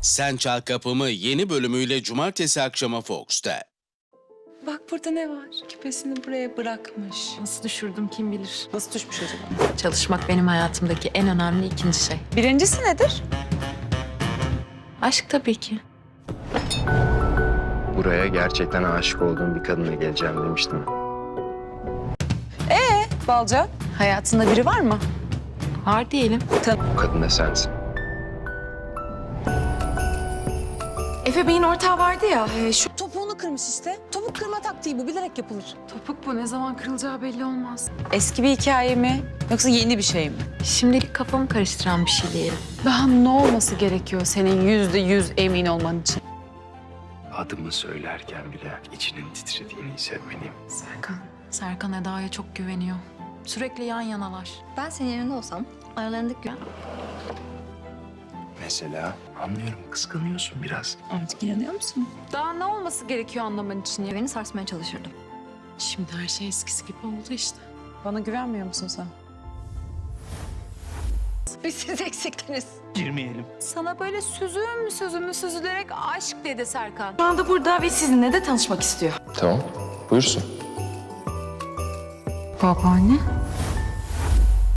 Sen Çal Kapımı yeni bölümüyle cumartesi akşamı Fox'ta. Bak burada ne var? Küpesini buraya bırakmış. Nasıl düşürdüm kim bilir. Nasıl düşmüş acaba? Çalışmak benim hayatımdaki en önemli ikinci şey. Birincisi nedir? Aşk tabii ki. Buraya gerçekten aşık olduğum bir kadına geleceğim demiştim. Balca, hayatında biri var mı? Var diyelim. O kadın da sensin. Efe Bey'in ortağı vardı ya, şu Topuğunu kırmış işte. Topuk kırma taktiği bu, bilerek yapılır. topuk bu. Ne zaman kırılacağı belli olmaz. Eski bir hikaye mi? Yoksa yeni bir şey mi? Şimdilik kafamı karıştıran bir şey diyelim. Daha ne olması gerekiyor senin %100 emin olman için? Adımı söylerken bile içinin titrediğini hissetmeliyim. Serkan Eda'ya çok güveniyor. Sürekli yan yanalar. Ben senin yerinde olsam aralarındaki güven... Mesela anlıyorum, kıskanıyorsun biraz. Artık inanıyor musun? Daha ne olması gerekiyor anlaman için ya? güveni sarsmaya çalışırdım. Şimdi her şey eskisi gibi oldu işte. Bana güvenmiyor musun sen? Biz siz eksiktiniz. Sana böyle süzülerek aşk dedi Serkan. Şu anda burada ve sizinle de tanışmak istiyor. Tamam, buyursun. Babaanne?